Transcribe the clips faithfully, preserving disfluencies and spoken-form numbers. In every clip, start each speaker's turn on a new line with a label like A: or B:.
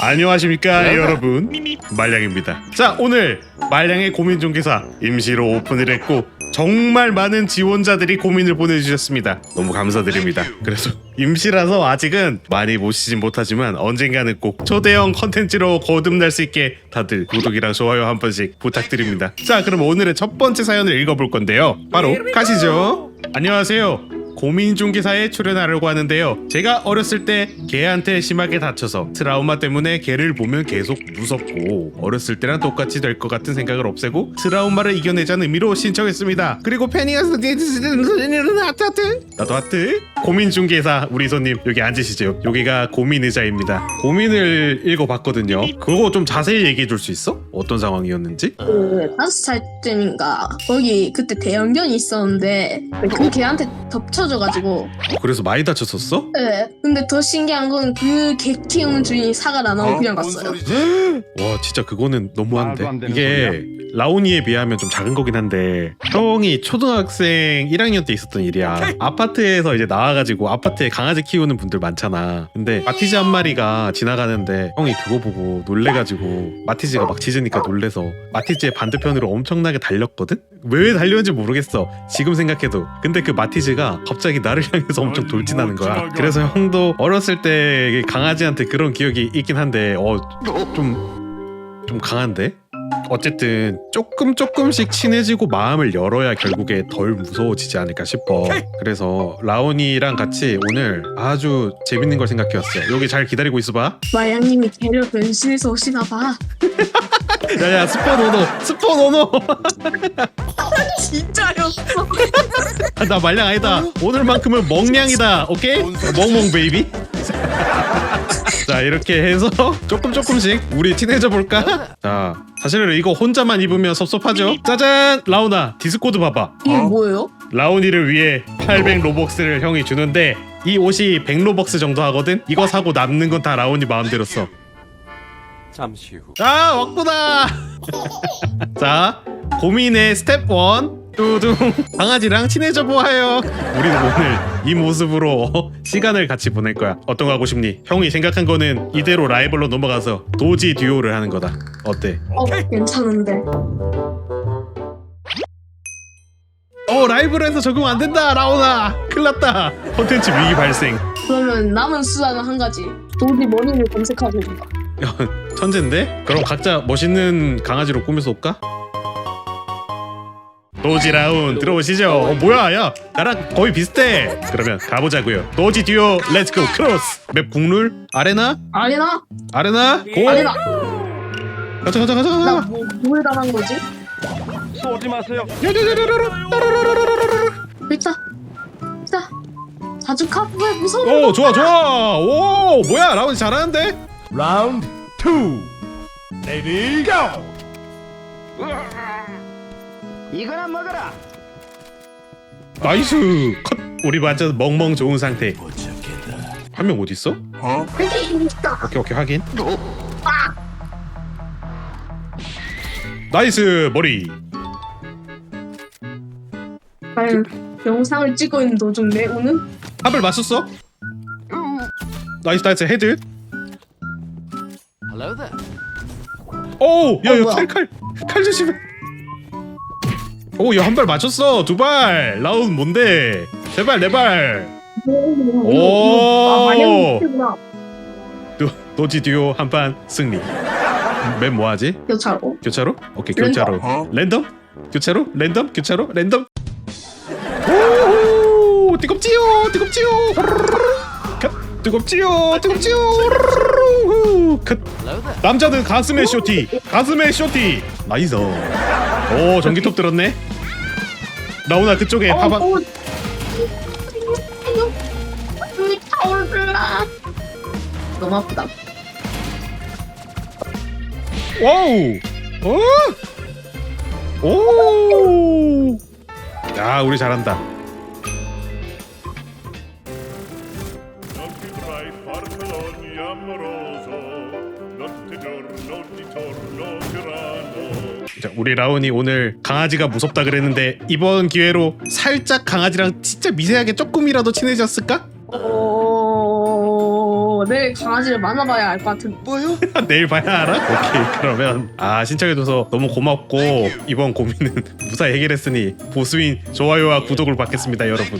A: 안녕하십니까 여러분, 말량입니다. 자, 오늘 말량의 고민중개사 임시로 오픈을 했고 정말 많은 지원자들이 고민을 보내주셨습니다. 너무 감사드립니다. 그래서 임시라서 아직은 많이 모시진 못하지만 언젠가는 꼭 초대형 컨텐츠로 거듭날 수 있게 다들 구독이랑 좋아요 한 번씩 부탁드립니다. 자, 그럼 오늘의 첫 번째 사연을 읽어볼 건데요, 바로 가시죠. 안녕하세요, 고민중개사에 출연하려고 하는데요. 제가 어렸을 때 개한테 심하게 다쳐서 트라우마 때문에 개를 보면 계속 무섭고 어렸을 때랑 똑같이 될 것 같은 생각을 없애고 트라우마를 이겨내자는 의미로 신청했습니다. 그리고 페니가스 하트 하트 나도 하트. 고민중개사 우리 손님 여기 앉으시죠. 여기가 고민의자입니다. 고민을 읽어봤거든요. 그거 좀 자세히 얘기해 줄 수 있어? 어떤 상황이었는지?
B: 그 다섯 살 때인가 거기 그때 대형견이 있었는데 그 개한테 덮쳐져가지고.
A: 그래서 많이 다쳤었어?
B: 네. 근데 더 신기한 건 그 개 키우는 주인이 사과를 안 하고 그냥 갔어요.
A: 와, 진짜 그거는 너무한데. 이게 라온이에 비하면 좀 작은 거긴 한데 형이 초등학생 일 학년 때 있었던 일이야. 아파트에서 이제 나와가지고 아파트에 강아지 키우는 분들 많잖아. 근데 마티즈 한 마리가 지나가는데 형이 그거 보고 놀래가지고 마티즈가 막 짖으니까 놀래서 마티즈의 반대편으로 엄청나게 달렸거든? 왜 달렸는지 모르겠어 지금 생각해도. 근데 그 마티즈가 갑자기 나를 향해서 엄청 돌진하는 거야. 그래서 형도 어렸을 때 강아지한테 그런 기억이 있긴 한데 어 좀 좀 강한데? 어쨌든 조금 조금씩 친해지고 마음을 열어야 결국에 덜 무서워지지 않을까 싶어. 그래서 라온이랑 같이 오늘 아주 재밌는 걸 생각해왔어. 여기 잘 기다리고 있어봐.
B: 마양님이 개를 변신해서 오시나봐.
A: 야야, 스포 노노 스포 노노.
B: 진짜였어.
A: 나 말량 아니다. 오늘만큼은 멍냥이다. 오케이? 멍멍 베이비. 자, 이렇게 해서 조금 조금씩 우리 친해져 볼까? 자, 사실은 이거 혼자만 입으면 섭섭하죠? 짜잔! 라온아, 디스코드 봐봐.
B: 이게 뭐예요?
A: 라온이를 위해 팔백 로벅스를 형이 주는데 이 옷이 백 로벅스 정도 하거든? 이거 사고 남는 건 다 라온이 마음대로 써.
C: 잠시 후.
A: 아, 왔구나. 자, 고민의 스텝 일. 뚜둥, 강아지랑 친해져 보아요. 우리는 오늘 이 모습으로 시간을 같이 보낼 거야. 어떤 거 하고 싶니? 형이 생각한 거는 이대로 라이벌로 넘어가서 도지 듀오를 하는 거다. 어때?
B: 어, 괜찮은데.
A: 어, 라이브로 해서 적응 안 된다, 라온아. 큰일 났다. 콘텐츠 위기 발생.
B: 그러면 남은 수단은 한 가지. 도디 머리를 검색하고 온다.
A: 야, 천재인데? 그럼 각자 멋있는 강아지로 꾸며서 올까? 도지 라운 들어오시죠. 어, 뭐야, 야, 나랑 거의 비슷해. 그러면 가보자고요. 도지 듀오 렛츠고 크로스. 맵 국룰 아레나?
B: 아레나?
A: 아레나 고!
B: 아레나.
A: 가자 가자 가자.
B: 나 뭐, 뭘 당한 거지?
C: 쏘지 마세요.
B: 일단, 자, 자주 카프에 무서워.
A: 오, 좋아 좋아. 오, 뭐야, 라운이 잘하는데?
D: 라운드 투 레디 고!
C: 이거나 먹어라.
A: 나이스 컷. 우리 완전 멍멍 좋은 상태. 한 명 어디 있어?
B: 여기 있다.
A: 오케이 오케이, 확인. 나이스 머리.
B: 과연 영상을 찍고 있는 도중 내 오는?
A: 합을 맞췄어? 나이스 나이스 헤드.
C: Hello there.
A: 오, 야,
B: 어,
A: 야,
B: 뭐야?
A: 칼, 칼, 칼 조심해. 오, 야, 한 발 맞췄어. 두 발. 라운 뭔데? 세 발, 네 발. 오.
B: 아, 마냥 구나.
A: 도, 도지 듀오 한 판 승리. 맨 뭐하지?
B: 교차로.
A: 교차로? 오케이,
B: 랜덤.
A: 교차로. 랜덤? 교차로? 랜덤? 교차로? 랜덤? 오, 뜨겁지요, 뜨겁지요. 컷, 뜨겁지요, 뜨겁지요. 컷.
C: Hello there.
A: 남자는 가슴에 쇼티, 가슴에 쇼티. 나이스. 오, 전기톱 들었네. 라온아, 그쪽에
B: 어,
A: 봐봐.
B: 어. 눈이 타올라. 너무 아프다.
A: 와우. 오. 오. 야, 우리 잘한다. 자, 우리 라온이 오늘 강아지가 무섭다 그랬는데 이번 기회로 살짝 강아지랑 진짜 미세하게 조금이라도 친해졌을까?
B: 어... 어, 내일 강아지를 만나봐야 알 것 같은데.
E: 뭐요?
A: 내일 봐야 알아? 오케이 그러면 아 신청해줘서 너무 고맙고 이번 고민은 무사히 해결했으니 보수인 좋아요와 구독을 받겠습니다 여러분.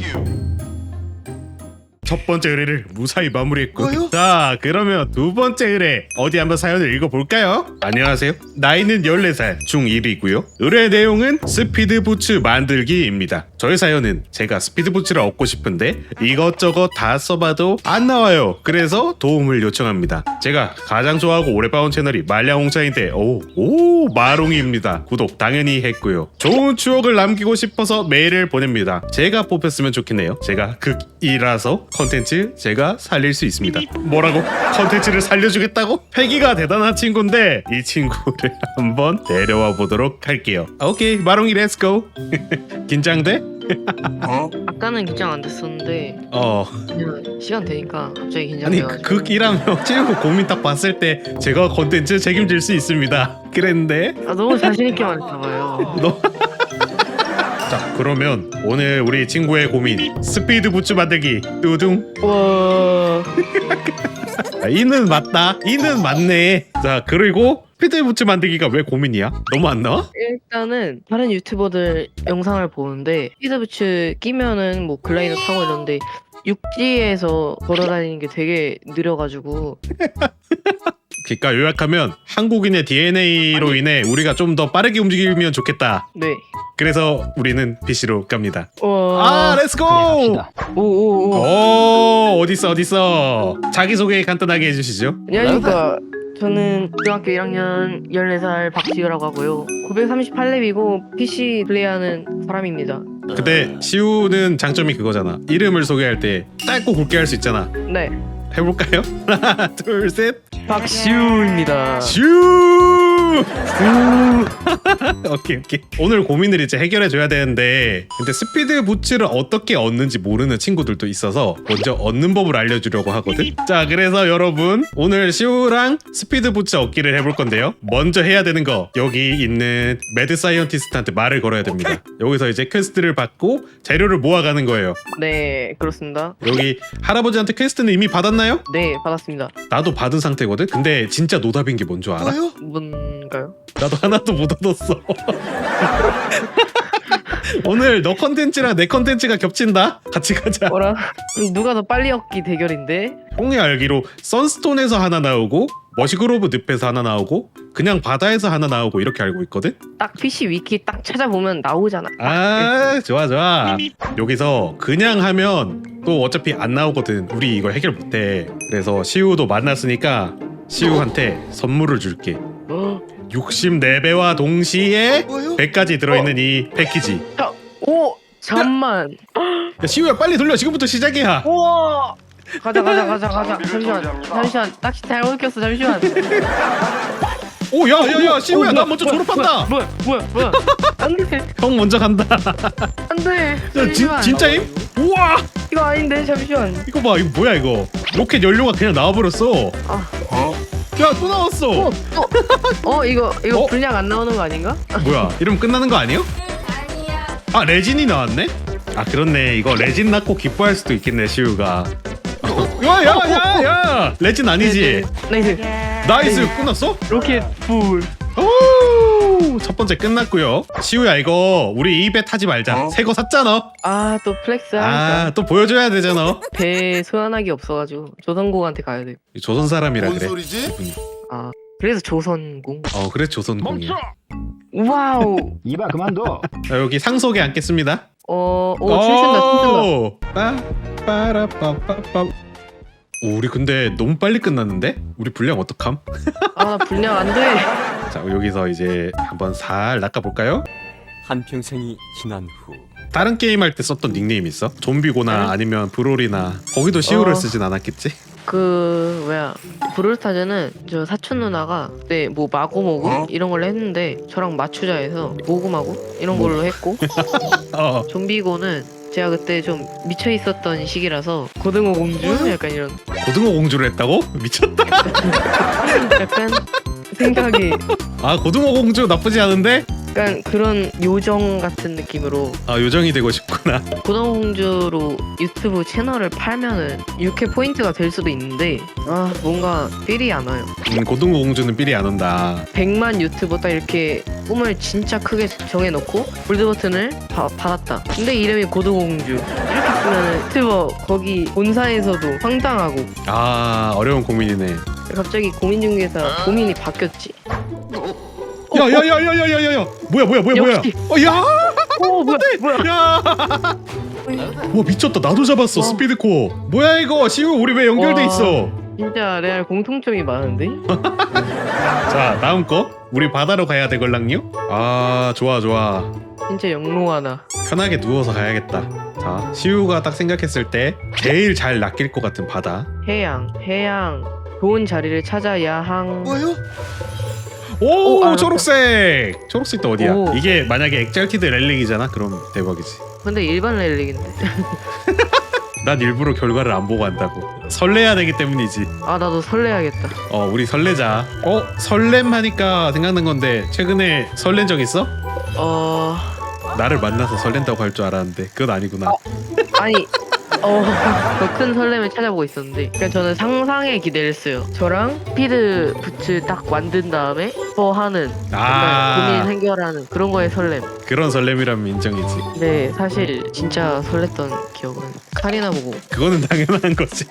A: 첫 번째 의뢰를 무사히 마무리했고
E: 뭐요?
A: 자 그러면 두 번째 의뢰 어디 한번 사연을 읽어볼까요? 안녕하세요 나이는 열네 살 중일이고요 의뢰 내용은 스피드부츠 만들기입니다. 저의 사연은 제가 스피드부츠를 얻고 싶은데 이것저것 다 써봐도 안 나와요. 그래서 도움을 요청합니다. 제가 가장 좋아하고 오래 봐온 채널이 말량홍차인데 오, 오 마롱이입니다. 구독 당연히 했고요. 좋은 추억을 남기고 싶어서 메일을 보냅니다. 제가 뽑혔으면 좋겠네요. 제가 극이라서 컨텐츠 제가 살릴 수 있습니다. 뭐라고? 컨텐츠를 살려주겠다고? 패기가 대단한 친구인데 이 친구를 한번 데려와 보도록 할게요. 오케이 마롱이 렛츠고. 긴장돼?
F: 아까는 긴장 안 됐었는데
A: 어
F: 그냥 시간 되니까 갑자기
A: 아니
F: 긴장돼가지고.
A: 극이라며 친구 고민 딱 봤을 때 제가 컨텐츠 책임질 수 있습니다 그랬는데
F: 아 너무 자신 있게 말했나봐요.
A: 너 자 그러면 오늘 우리 친구의 고민 스피드 부츠 만들기 뚜둥.
F: 와.
A: 아, 이는 맞다 이는 맞네. 자 그리고 스피드 부츠 만들기가 왜 고민이야? 너무 안 나와?
F: 일단은 다른 유튜버들 영상을 보는데 피드부츠 끼면은 뭐 글라이더 타고 이러는데 육지에서 걸어다니는 게 되게 느려가지고.
A: 그러니까 요약하면 한국인의 디엔에이로 인해 우리가 좀 더 빠르게 움직이면 좋겠다.
F: 네.
A: 그래서 우리는 피씨로 갑니다.
F: 와.
A: 아 렛츠고.
F: 오오오.
A: 오 어딨어 어딨어. 자기소개 간단하게 해주시죠.
F: 안녕하십니까. 저는 중학교 일 학년 열네 살 박지우라고 하고요. 구백삼십팔 렙이고 피씨 플레이하는 사람입니다.
A: 근데 시우는 장점이 그거잖아. 이름을 소개할 때 짧고 굵게 할 수 있잖아.
F: 네.
A: 해볼까요? 하나 둘셋
F: 박시우입니다.
A: 슈. 오케이 오케이. 오늘 고민을 이제 해결해 줘야 되는데 근데 스피드 부츠를 어떻게 얻는지 모르는 친구들도 있어서 먼저 얻는 법을 알려주려고 하거든. 자 그래서 여러분 오늘 시우랑 스피드 부츠 얻기를 해볼 건데요. 먼저 해야 되는 거 여기 있는 매드 사이언티스트한테 말을 걸어야 됩니다. 여기서 이제 퀘스트를 받고 재료를 모아가는 거예요.
F: 네, 그렇습니다.
A: 여기 할아버지한테 퀘스트는 이미 받았나요?
F: 네, 받았습니다.
A: 나도 받은 상태거든. 근데 진짜 노답인 게 뭔 줄 알아?
E: 뭐요?
F: 뭔가요?
A: 나도 하나도 못 얻었어. 오늘 너 컨텐츠랑 내 컨텐츠가 겹친다. 같이 가자.
F: 뭐라? 누가 더 빨리 얻기 대결인데?
A: 형이 알기로 선스톤에서 하나 나오고 머시그로브 늪에서 하나 나오고 그냥 바다에서 하나 나오고 이렇게 알고 있거든.
F: 딱 피씨 위키 딱 찾아보면 나오잖아.
A: 아 좋아 좋아. 여기서 그냥 하면 또 어차피 안 나오거든. 우리 이걸 해결 못해. 그래서 시우도 만났으니까 시우한테 선물을 줄게.
F: 어?
A: 육십사 배와 동시에
E: 뭐요?
A: 백까지 들어있는 이 패키지.
F: 자, 오! 잠만.
A: 야, 시우야 빨리 돌려. 지금부터 시작이야.
F: 우와! 가자 가자 가자 가자. 잠시만 잠시만. 낚시 잘못 꼈어. 잠시만.
A: 오 야야야 시우야
F: 어,
A: 나
F: 뭐야,
A: 먼저
F: 뭐야,
A: 졸업한다.
F: 뭐야 뭐야 뭐야. 안돼
A: 형 먼저 간다.
F: 안돼.
A: 야, 진,
F: 잠시만.
A: 진짜임? 우와
F: 이거 아닌데 잠시만.
A: 이거 봐 이거 뭐야 이거 로켓 연료가 그냥 나와버렸어.
F: 아.
A: 야 또 나왔어.
F: 어, 또. 어 이거 이거
A: 어?
F: 분량 안 나오는 거 아닌가?
A: 뭐야 이러면 끝나는 거 아니에요? 아 레진이 나왔네? 아 그렇네 이거 레진 낳고 기뻐할 수도 있겠네 시우가. 야야야야 레진 아니지?
F: 나이스.
A: 나이스 끝났어?
F: 로켓 풀.
A: 오, 첫 번째 끝났고요. 시우야 이거 우리 입에 타지 말자. 새 거 샀잖아.
F: 아 또 플렉스 하니까
A: 아 또 보여줘야 되잖아.
F: 배 소환하기 없어가지고 조선공한테 가야 돼.
A: 조선 사람이라
E: 뭔
A: 그래.
E: 소리지?
A: 기분이.
F: 아 그래서 조선공.
A: 어 그래 조선공이야.
F: 와우.
C: 이봐 그만둬.
A: 자, 여기 상속에 앉겠습니다.
F: 어, 오 춤춘다 춤춘다.
A: 빠 빠라빠빠빠. 오, 우리 근데 너무 빨리 끝났는데? 우리 분량 어떡함?
F: 아 분량 안 돼.
A: 자 여기서 이제 한번 살 낚아볼까요?
C: 한평생이 지난 후
A: 다른 게임 할 때 썼던 닉네임 있어? 좀비고나
F: 네?
A: 아니면 브롤이나 거기도 시우를
F: 어.
A: 쓰진 않았겠지?
F: 그 뭐야 브롤스타즈는 저 사촌 누나가 그때 뭐 마구모구
E: 어?
F: 이런 걸로 했는데 저랑 맞추자 해서 모구마구 이런 걸로 했고
A: 어
F: 좀비고는 제가 그때 좀 미쳐 있었던 시기라서 고등어 공주 약간 이런
A: 고등어 공주를 했다고? 미쳤다.
F: 약간 생각이
A: 아 고등어 공주 나쁘지 않은데?
F: 약간 그런 요정 같은 느낌으로
A: 아 요정이 되고 싶구나.
F: 고등공주로 유튜브 채널을 팔면은 육회 포인트가 될 수도 있는데 아 뭔가 삘이 안 와요.
A: 음, 고등공주는 삘이 안 온다.
F: 백만 유튜버 딱 이렇게 꿈을 진짜 크게 정해놓고 골드 버튼을 바, 받았다. 근데 이름이 고등공주 이렇게 쓰면은 유튜버 거기 본사에서도 황당하고
A: 아 어려운 고민이네.
F: 갑자기 고민중개사 고민이 바뀌었지.
A: 야야야야야야야야 뭐야 뭐야 뭐야 뭐야.
F: 역시.
A: 어야
F: 오 뭐야 뭐야.
A: 야. 와 미쳤다. 나도 잡았어.
F: 와.
A: 스피드코어. 뭐야 이거. 시우 우리 왜 연결돼
F: 와.
A: 있어?
F: 진짜 레알 공통점이 많은데?
A: 자 다음 거. 우리 바다로 가야 되걸랑요? 아 좋아 좋아.
F: 진짜 영롱하다.
A: 편하게 누워서 가야겠다. 자 시우가 딱 생각했을 때 제일 잘 낚일 것 같은 바다.
F: 해양 해양 좋은 자리를 찾아 야항.
A: 오
F: 오, 알았다.
A: 초록색. 초록색 또 어디야?
F: 오.
A: 이게 만약에 엑잘티드 렐릭이잖아. 그럼 대박이지.
F: 근데 일반 렐릭인데.
A: 난 일부러 결과를 안 보고 한다고. 설레야 되기 때문이지.
F: 아 나도 설레야겠다.
A: 어 우리 설레자. 어 설렘 하니까 생각난 건데 최근에 설렌 적 있어?
F: 어
A: 나를 만나서 설렌다고 할 줄 알았는데 그건 아니구나.
F: 아니 어더 큰 설렘을 찾아보고 있었는데 그냥 저는 상상에 기대를 했어요. 저랑 스피드 부츠 딱 만든 다음에 뭐 하는
A: 아.
F: 고민 해결하는 그런 거에 설렘.
A: 그런 설렘이라면 인정이지.
F: 근데 사실 진짜 설렜던 기억은 카리나 보고
A: 그거는 당연한 거지.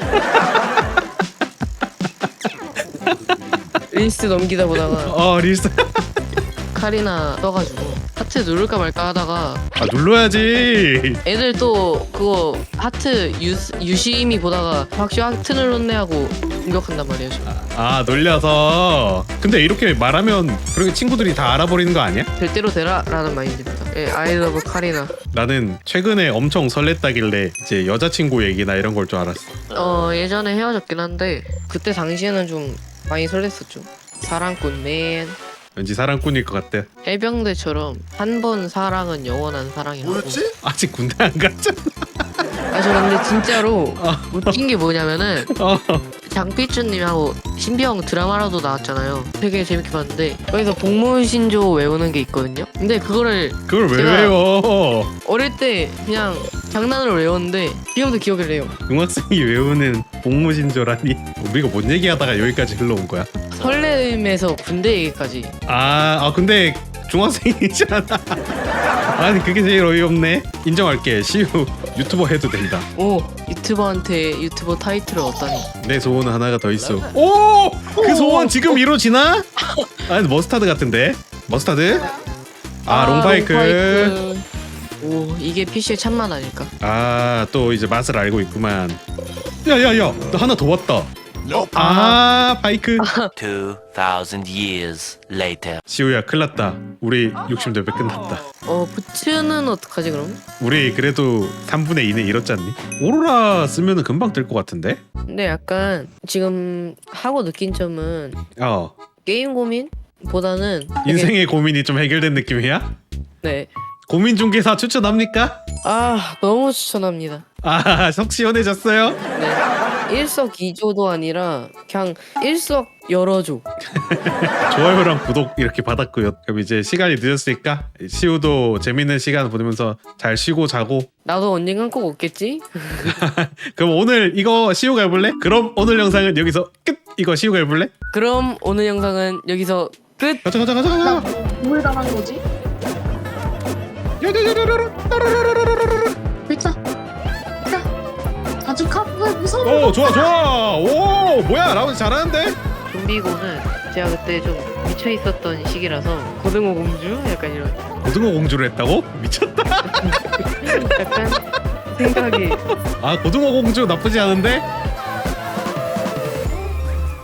F: 릴스 넘기다 보다가
A: 어 릴스.
F: 카리나 떠가지고 하트 누를까 말까 하다가
A: 아 눌러야지.
F: 애들 또 그거 하트 유, 유심히 보다가 박시 하트 눌렀네 하고 공격한단 말이에요. 저.
A: 아 놀려서. 근데 이렇게 말하면 그렇게 친구들이 다 알아버리는 거 아니야?
F: 될 대로 되라 라는 마인드입니다. 예, I love 카리나.
A: 나는 최근에 엄청 설렜다길래 이제 여자친구 얘기나 이런 걸 줄 알았어.
F: 어 예전에 헤어졌긴 한데 그때 당시에는 좀 많이 설렜었죠. 사랑꾼 맨.
A: 왠지 사랑꾼일 것 같아.
F: 해병대처럼 한 번 사랑은 영원한 사랑이라고.
A: 아직 군대 안 갔잖아.
F: 아 저 근데 진짜로 웃긴 게 뭐냐면은
A: 어.
F: 장삐쭈님하고 신비형 드라마라도 나왔잖아요. 되게 재밌게 봤는데 거기서 복무신조 외우는 게 있거든요. 근데 그거를
A: 그걸 왜
F: 제가-
A: 외워?
F: 어릴 때 그냥 장난으로 외웠는데 지금도 기억을 해요.
A: 중학생이 외우는 복무신조라니. 우리가 뭔 얘기하다가 여기까지 흘러온 거야?
F: 설렘에서 군대 얘기까지.
A: 아, 아 근데 중학생이잖아. 아니 그게 제일 어이없네. 인정할게. 시우 유튜버 해도 된다.
F: 오 유튜버한테 유튜버 타이틀을 얻다니.
A: 내 소원 하나가 더 있어. 오! 그 소원 지금 이루어지나? 아니 머스타드 같은데? 머스타드? 아, 롱바이크.
F: 롱바이크. 오 이게 피씨의 참맛 아닐까?
A: 아 또 이제 맛을 알고 있구만. 야야야 나 하나 더 왔다.
E: Nope.
A: 아 바이크.
E: Two thousand years later.
A: 시우야 큰일났다. 우리 육십 레벨 끝났다.
F: 어 부츠는 어떡하지 그럼?
A: 우리 그래도 삼분의 이는 잃었지 않니? 오로라 쓰면은 금방 뜰 것 같은데?
F: 근데 약간 지금 하고 느낀 점은
A: 어
F: 게임 고민보다는 되게-
A: 인생의 고민이 좀 해결된 느낌이야?
F: 네.
A: 고민 중개사 추천합니까?
F: 아 너무 추천합니다.
A: 아 속 시원해졌어요?
F: 네. 일석이조도 아니라 그냥 일석여러조.
A: 좋아요랑 구독 이렇게 받았고요. 그럼 이제 시간이 늦었으니까 시우도 재밌는 시간 보내면서 잘 쉬고 자고.
F: 나도 언젠간 꼭 없겠지?
A: 그럼 오늘 이거 시우가 해볼래? 그럼 오늘 영상은 여기서 끝. 이거 시우가 해볼래?
F: 그럼 오늘 영상은 여기서 끝!
A: 가자 가자 가자 가자.
B: 뭘 당한 거지? 일단 자 아주 카프에 무서워.
A: 오 좋아 좋아. 오 뭐야 라운드 잘하는데?
F: 좀비고는 제가 그때 좀 미쳐 있었던 시기라서 고등어 공주 약간 이런
A: 고등어 공주를 했다고? 미쳤다.
F: 약간 생각이
A: 아 고등어 공주 나쁘지 않은데?